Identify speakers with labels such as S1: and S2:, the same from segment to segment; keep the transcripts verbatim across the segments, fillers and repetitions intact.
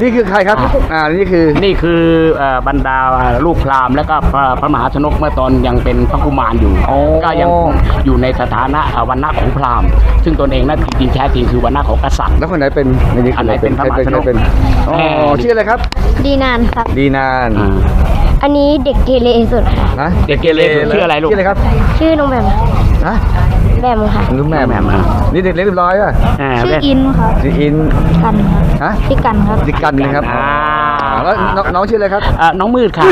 S1: นี่คือใครครับอ่านี่คือ
S2: นี่คือบรรดาลูกพราหมณ์และก็พระมหาชนกเมื่อตอนยังเป็นพระกุมารอยู่ก็ยังอยู่ในสถานะวรรณะของพราหมณ์ซึ่งตนเองนั้นจริงๆแท้จริงคือวรรณะของกษัตริย์
S1: แล้วคนไหนเป็น
S2: อันไหนเป็นพระมหาชนก
S1: เป็นอ๋อชื่ออะไรครับ
S3: ดีนานครับ
S1: ดีนาน
S3: อันนี้เด็กเกเรสุดค่ะ
S1: นะ
S2: เด็กเกเรชื่ออะไรลูก
S1: ชื่ออะไรครับ
S3: ชื่อน้องแบม
S1: ฮะ
S3: แบมค่ะ
S1: น้องแบมแบมนี่เด็กเล็กเรียบร้อยป่ะ
S3: ชื่ออินครับ
S1: ชื่ออิน
S3: กัน
S1: ฮะ
S3: ชื่อกันครับ
S1: ชื่อกันนะครับแล้วน้องชื่ออะไรครับ
S2: น้องมืดค่ะ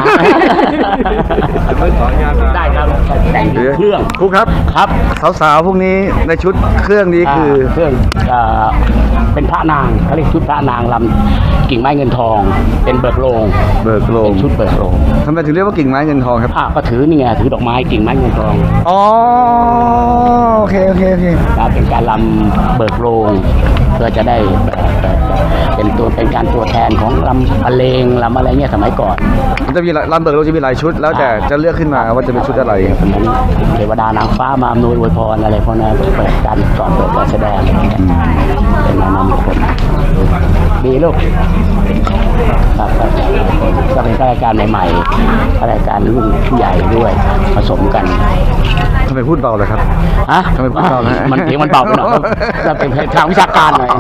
S2: ได้ครับแต่งเครื่อง
S1: ครูครับ
S2: ครับ
S1: สาวๆพวกนี้ในชุดเครื่องนี้คือ
S2: เครื่องเป็นพระนางเขาเรียกชุดพระนางลำกิ่งไม้เงินทองเป็นเบิกโลง
S1: เบิกโลง
S2: ชุดเบิกโลง
S1: ทำไมถึงเรียกว่ากิ่งไม้เงินทองครับ
S2: อ่าก็ถือนี่ไงถือดอกไม้กิ่งไม้เงินทอง
S1: อ๋อโอเคโอเคโอเค
S2: การเป็นการลำเบิกโลงเพื่อจะได้เป็นตัวเป็นการตัวแทนของลำเพลงลำอะไรเงี้ยสมัยก่อน
S1: มันจะมีลำเบิกโลงจะมีหลายชุดแล้วแต่จะเลือกขึ้นมาว่าจะเป็นชุดอะไร
S2: เทวดานางฟ้ามาอำนวยอวยพรอะไรพวกนั้นเปิดการก่อนเปิดการแสดงเป็นนามคนดีลูกครับก็เป็นรายการใหม่ๆรายการรุ่นผู้ใหญ่ด้วยผสมกัน
S1: ทำไมพูดเบาเลยครับ
S2: ฮะ
S1: ทำไมพูดเบาฮะ
S2: มันเสียงมันเบาไปหน่อยจะเป็นทางวิชาการหน่อย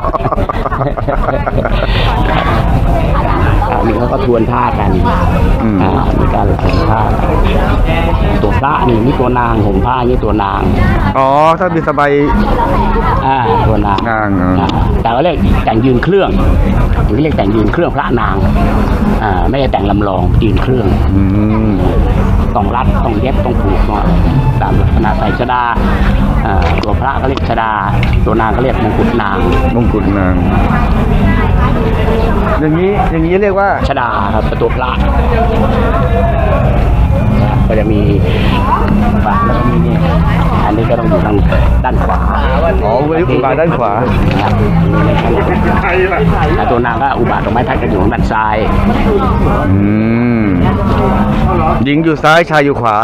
S2: นี่เขาก็ทวนท่ากันอ่ามีการทวนท่าตัวพระนี่นี่ตัวนางห่มผ้านี่ตัวนาง
S1: อ๋อถ้ามีสบาย
S2: อ่าตัวนาง
S1: นาง
S2: แต่ว่าเรียกแต่งยืนเครื่องหรือเรียกแต่งยืนเครื่องพระนางอ่าไม่ได้แต่งลำลองยืนเครื่องต้องรัดต้องเย็บต้องผูกตามลักษณะใส่ชดาตัวพระก็เรียกชดาตัวนางก็เรียกมงกุฎนาง
S1: มงกุฎนางอย่างนี้อย่างนี้เรียกว่า
S2: ชดาครับตัวพระก็จะมีฝั่งแล้วก็มีนี่อันนี้ก็ต้องอยู่ทางด้านขวา
S1: อ๋ออุบาทด้านขวา
S2: ตัวนางก็อุบาทตรงไม้ทัดกันอยู่ทางด้านซ้าย
S1: อืมหญิงอยู่ซ้ายชายอยู่ขวา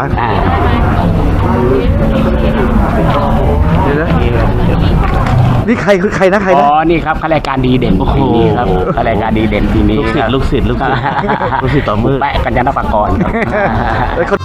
S1: นี่ใครคือใครนะใครนะ
S2: อ๋อนี่ครับข้ารายการดีเด่นปีนี้ครับข้ารายการดีเด่นปีนี้
S4: ลูกศิษย์ลูกศิษย์ลูกศิษย์ลูกศิษย์ต่อมือ
S2: แปะกัญญาณปากรครับ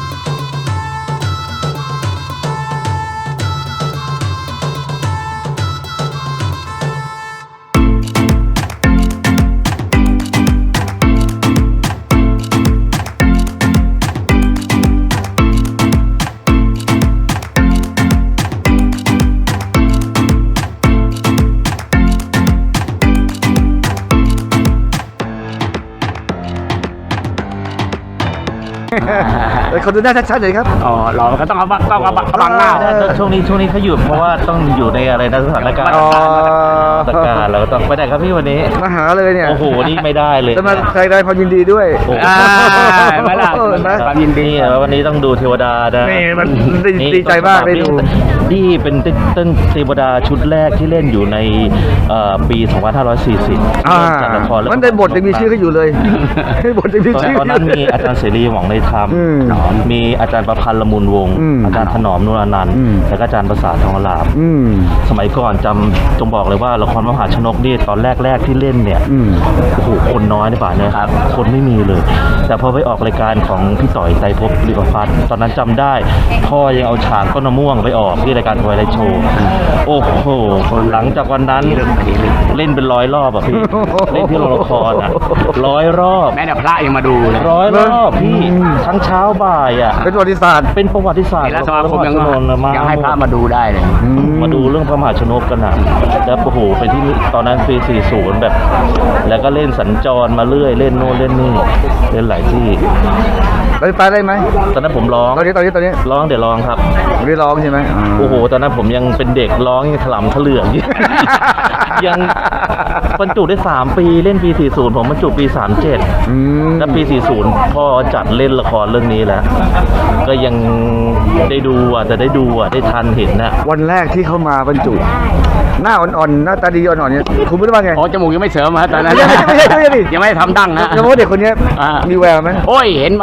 S1: คนดูหน้าชัดๆเลยครับ
S2: อ๋อเราก็ต้องเอาต้องเอาบังหน้า
S4: ช่วงนี้ช่วงนี้เขาหยุดเพราะว่าต้องอยู่ในอะไรนะสถานการณ์สถานการณ์เราต้องไปไหนครับพี่วันนี้
S1: มาหาเลยเนี่ย
S4: โอ้โหนี่ไม่ได้เลย
S1: จะมาใครได้ความยินดีด้วย
S2: ไม่ล่ะความยินดี
S4: วันนี้ต้องดูเทวดานะ
S1: นี่มันดีใจมากได้ดู
S4: นี่เป็นต้นเทวดาชุดแรกที่เล่นอยู่ในปีสองพันห้าร้อยสี่สิบ
S1: จากละครมันได้บทยังมีชื่อเขาอยู่เลยบทยังมีชื่อ
S4: ตอนนั้นมีอาจารย์เสรีหวังในธรรมมีอาจารย์ประพันธ์ละมุนวงศ์อาจารย์ถนอมนุรานันท์และก็อาจารย์ประสาททองหลาบสมัยก่อนจำจงบอกเลยว่าละครมหาชนกนี่ตอนแรกๆที่เล่นเนี่ยโอ้โหคนน้อยในป่าเนี่ยครับคนไม่มีเลยแต่พอไปออกรายการของพี่ต่อยไตรภพลิขพัฒน์ตอนนั้นจำได้พ่อยังเอาฉากต้นมะม่วงไปออกที่รายการทวายไลท์โชว์โอ้โหหลังจากวันนั้นเล่นเป็นร้อยรอบอ่ะพี่เล่นที่โรงละครอ่ะร้อยรอบ
S2: แม่แต่พระยังมาดูเลย
S4: ร้อยรอบพี่ทั้งเช้าบ่ายอ่ะ
S1: เป็นประวัติศาสตร์
S4: เป็นประวัติศาสตร์
S2: แล้วสมาคมยังยังให้พระมาดูได้เลย
S4: มาดูเรื่องพระมหาชนกกันนะแล้วโอ้โหไปที่ตอนนั้นปีสี่สิบแบบแล้วก็เล่นสัญจรมาเรื่อยเล่นโน่นเล่นนี่เล่นหลายที่
S1: ไปไปได้ไหม
S4: ตอนนั้นผมร้อง
S1: ตอนนี้ตอนนี้ตอนนี้
S4: ร้องเดี๋ยวร้องครับ
S1: ไม่ได้ร้องใช่ไหม
S4: โอ้โหตอนนั้นผมยังเป็นเด็กร้องยังถลำถลื่อนยังบรรจุได้สามปีเล่นปีสี่สิบผมบรรจุปีสามเจ็ดแล้วปีสี่สิบพ่อจัดเล่นละครเรื่องนี้แล้วก็ยังได้ดูอ่ะแต่ได้ดูอ่ะได้ทันเห็นนะ
S1: วันแรกที่เข้ามาบรรจุหน้าอ่อนๆหน้าตาดีอ่อนๆเนี่ยคุณพูดว่าไง
S2: อ๋อจมูกยังไม่เสริมฮะตอนนั้นยังไม่ได้ทำดั้งนะ
S1: แล้วว่าเด็กคนนี้มีแววไหม
S2: โอ้ยเห็นมาตั้งแต่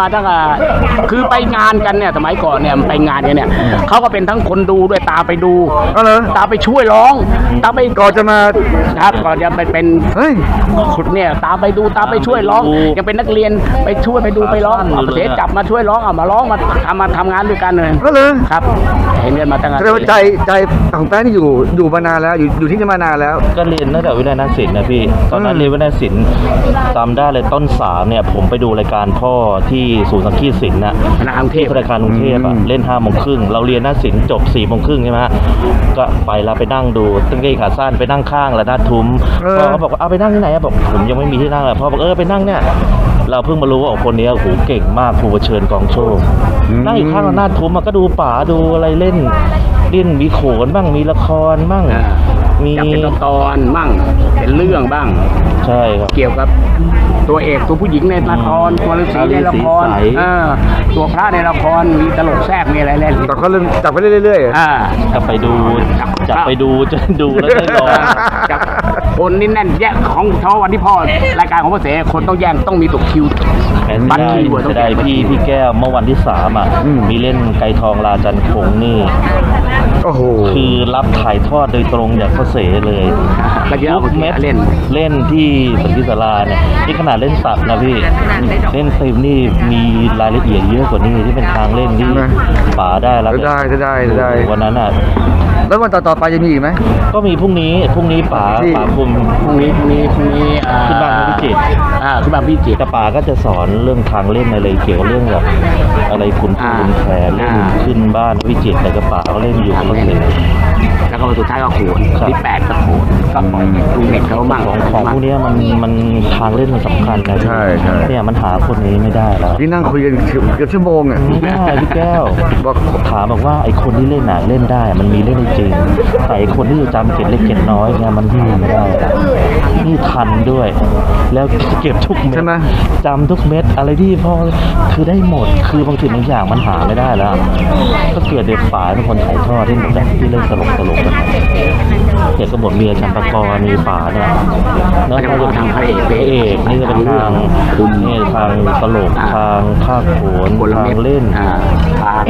S2: คือไปงานกันเนี่ยสมัยก่อนเนี่ยไปงานกันเนี่ยเขาก็เป็นทั้งคนดูด้วยตาไปดู
S1: ก็เลย
S2: ตาไปช่วยร้องตาไป
S1: ก่อนจะมา
S2: ครับก่อนจะไปเป็น
S1: เฮ้ย
S2: ขุดเนี่ยตามไปดูตามไปช่วยร้องยังเป็นนักเรียนไปช่วยไปดูไปร้องเอาเสียจับมาช่วยร้องเอามาร้องมาทำมาทำงานด้วยกันเลย
S1: ก็เลย
S2: ครับเห็นเรียนมาตั้งแต่
S1: แสดงว่าใจใจของแป้งนี่อยู่อยู่มานานแล้วอยู่อยู่ที่นี่มานานแล้ว
S4: ก็เรียนตั้งแต่วิทยาลัยศิลป์นะพี่ ตอนนั้นเรียนวิทยาลัยศิลป์จำได้เลยต้นสามเนี่ยผมไปดูรายการพ่อที่ศูนย์สังคีตศิลป์นะ
S2: คณะกรุงเทพ
S4: ที่ธนาคารกรุงเทพอ่ะเล่นห้าโมงครึ่งเราเรียนหน้าศิลป์จบสี่โมงครึ่งใช่ไหมฮะก็ไปแล้วไปนั่งดูตั้งเกงขาสั้นไปนั่งข้างแล้วหน้าทุ้ม
S1: เออ
S4: พ่อเขาบอกว่าเอาไปนั่งที่ไหนอะบอกผมยังไม่มีที่นั่งเลยพ่อบอกเออไปนั่งเนี่ยเราเพิ่งมารู้ว่าคนนี้โอ้โหเก่งมากครูประเชิญกองโชคนั่งอยู่ข้างหน้าทุ้มมันก็ดูป๋าดูอะไรเล่นเล่นมีโขนบ้างมีละครบ้างมี
S2: จะเป็นตอนมั่งเป็นเรื่องบ้าง
S4: ใช่ครับ
S2: เกี่ยวกับตัวเอกตัวผู้หญิงในละครตัวฤาษีในละคร
S4: ฤาษีใส
S2: เออตัวพระในละครมีตลกแทรกมีอะไรเล่น
S1: แต่เขาเริ่มจับไปเรื่อยๆ
S2: อ่า
S4: จะไปดูจะไปดูจะดูแล้วได้ลอง
S2: จากคนนี่แน่นแยกของเฉพาะวันที่พ่อรายการของพ่อเสคนต้องแย่งต้องมีตกคิว
S4: แต่
S2: บัตร
S4: ได้
S2: คิวอะต้อง
S4: จะได้
S2: แย่งบัตร
S4: พี่
S2: คิว
S4: พี่แก้วเมื่อวันที่สามอ่ะมีเล่นไกรทองราจันทร์คงนี่
S1: โอ้โห
S4: คือรับถ่ายทอดโดยตรงจากพ่อเสเลย
S2: ก็จะเอา
S4: ทุกเม็ด
S2: เล่น
S4: เล่นที่สันติศาลาเนี่ยที่ขนาดเล่นตัดนะพี่เล่นเต็มนี่มีรายละเอียดเยอะกว่านี้ที่เป็นทางเล่นที่
S1: นะ
S4: ป๋าได้แล้ว
S1: ได้ได้ได้ได้
S4: วันนั้นอ่ะ
S1: แล้ววันต่อๆไปจะมีอีกไหม
S4: ก็มีพรุ่งนี้พรุ่งนี้ป๋า
S1: ที่
S4: ป๋าคุม
S2: พรุ่งนี้พรุ่งนี้พรุ่งนี้อ่า
S4: ขึ้นบ้านพิจิตร
S2: อ่าขึ้นบ้านพิจิตร
S4: แต่ป๋าก็จะสอนเรื่องทางเล่นอะไรเกี่ยวกับเรื่องแบบอะไรขุน
S2: อ่า
S4: ขุนแผนเล่น
S2: อ่า
S4: ขึ้นบ้านพิจิตรแต่กระป๋าก็เล่นอยู่
S2: ทาง
S4: ก็
S2: เล่น
S4: เสร็จ
S2: แล้วก็วันสุดท้ายก็โขน
S4: ครับ
S2: ที่แปดก็โขนก็ปล่อยลุงเด็กเขามั่ง
S4: ของของพวกเนี้ยมันมันทางเล่นมันสำคัญนะ
S1: ใช่ใช่
S4: เนี่ยมันหาคนนี้ไม่ได้แล้ว
S1: ที่นั่งคุยกันเกือบชั่วโมงอ่ะ
S4: ไม่ได้พี่แก้ว
S1: บอก
S4: ถามบอกว่าไอ้คนที่เล่นหนังเล่นได้มันมีเล่นได้จริงแต่ไอ้คนที่จะจำเก็บเล็กเก็บน้อยเนี่ยมันหาไม่ได้แล้วนี่ทันด้วย แล้วเก็บทุกเม็ด
S1: ใช่ไหม
S4: จำทุกเม็ดอะไรที่พอคือได้หมดคือบางสิ่งบางอย่างมันหาไม่ได้แล้ว ก็เกิดเด็กฝ่ายเป็นคนถ่ายทอดที่แบบที่เล่นตลกตลกกันเด็กก็หมดมีอาจารย์ประกรณ์มีป๋าเนี่ยแล้ว
S2: ก็จะ
S4: ถ้าจะ
S2: ทางพระเอก
S4: พระเอกนี่ก็เป็นทาง
S2: คุณ
S4: นี่ทางตลกทางภาคโขน
S2: คนละ
S4: ทา
S2: เม็
S4: ง
S2: ด
S4: เล่น
S2: อ่าทาง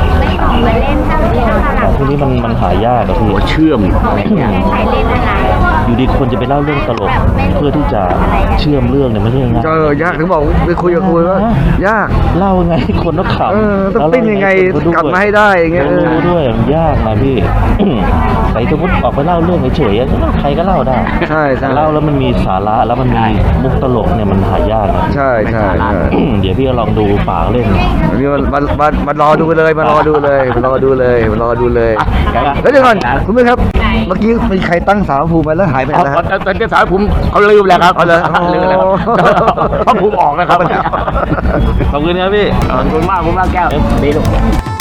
S4: แต่พวกนี้มันมันหายากอะพี่
S2: หัวเชื่อมอะไรอย่างเงี้ย
S4: อยู่ดีคนจะไปเล่าเรื่องตลก เพื่อที่จะเชื่อมเรื่องเนี่ยไม่ใช่ง่าย
S1: เจอยากถึงบอกไปคุยกับคุยว่ายาก
S4: เล่าไงคนต้องขำ
S1: เออต้องปิ้นยังไง
S4: แล้วเล่
S1: กลับมาให้ได้อย่างเงี้ย
S4: เออรู้ด้วยมันยากนะพี่ แต่สมมติออกไปเล่าเรื่องเฉยๆใครก็เล่าได้
S1: ใช่ใช่
S4: แต่เล่าแล้วมันมีสาระแล้วมันมีมุกตลกเนี่ยมันหายากนะ
S1: ใช่ใช่ใช่
S4: เดี๋ยวพี่ก็ลองดูปากเล่น
S1: อันนี้มามามามารอดูเลยมารอดูเลยมารอดูเลยมารอดูเลย
S2: เดี๋ยว
S1: แล้วเดี๋ยวก่อนคุณผู้ชมครับ เมื่อกี้มีใครตั้งสาวภูมิมาแล้วหายไปไหน
S2: เอา
S1: แล้ว
S2: เอาเอาเอาสาวผมเขาลืมแล้วครับ
S1: เอาเลย
S2: ลืมแล้วครับเพราะผมออกแล้วครับ
S4: ขอบคุณครับพี่
S2: ขอบคุณมากผมมากแก้วดีลูก